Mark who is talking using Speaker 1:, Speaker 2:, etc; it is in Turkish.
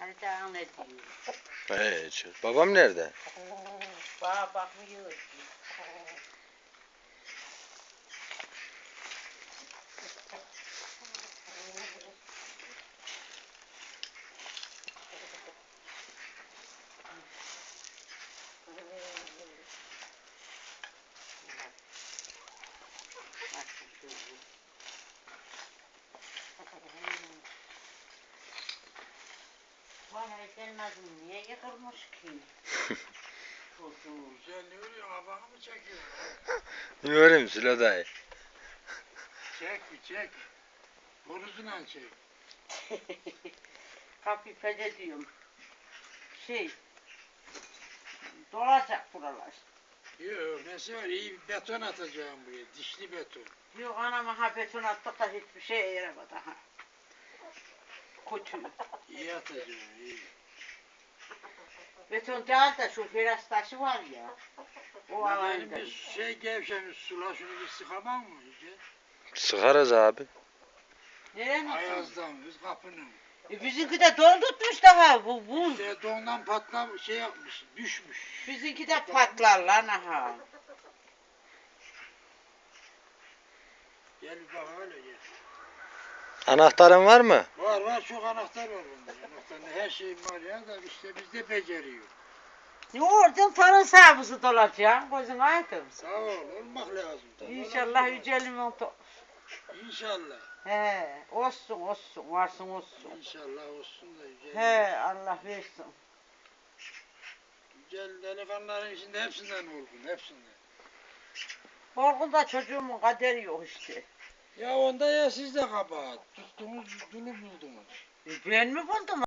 Speaker 1: Yani daha ne diyeyim?
Speaker 2: Evet. Babam nerede?
Speaker 1: Bana bakmıyor ki. Bana senin adın niye yıkılmış ki? Çocuğum.
Speaker 3: Sen ne oluyor? Havanı mı çekiyorsun?
Speaker 2: Görüyorum Sülo dayı.
Speaker 3: Çek bir çek. Boruzunla çek.
Speaker 1: Hafifede diyorum. Dolacak buralar.
Speaker 3: Yok mesela iyi bir beton atacağım buraya. Dişli beton.
Speaker 1: Yok anama ha beton attık da hiçbir şey yaramadı ha. Kötü.
Speaker 3: İyi atacağım iyi.
Speaker 1: Beton değil de şu biraz taşı var ya. O
Speaker 3: Benim
Speaker 1: alayında.
Speaker 3: bir şey gevşemiş sula şunu bir sıkamam mı iyice?
Speaker 2: Sıkarız abi.
Speaker 1: Nerenin?
Speaker 3: Ayazdan biz kapının.
Speaker 1: Bizimki de don tutmuş daha bu buz.
Speaker 3: İşte dondan patlam şey yapmış düşmüş.
Speaker 1: Bizimki de patlar lan ha.
Speaker 3: Gel bir bak öyle gel.
Speaker 2: Anahtarın var mı?
Speaker 3: Var var çok anahtar var bunda. Anahtarın her şeyim var ya da işte bizde beceriyor.
Speaker 1: Ne oradan tarın sahibi dolacak. Gözün aydın.
Speaker 3: Sağ ol olmak lazım. Tabii
Speaker 1: İnşallah
Speaker 3: olacak.
Speaker 1: yücelimin
Speaker 3: İnşallah.
Speaker 1: He, olsun olsun, varsın olsun.
Speaker 3: İnşallah olsun da güzel.
Speaker 1: He, Allah versin.
Speaker 3: Güzel delikanlıların içinde hepsinden olgun, hepsinden.
Speaker 1: Korkun da çocuğumun kaderi yok işte.
Speaker 3: Ya onda ya siz de kabahat. Tuttunuz, dulu buldunuz.
Speaker 1: Ben mi buldum?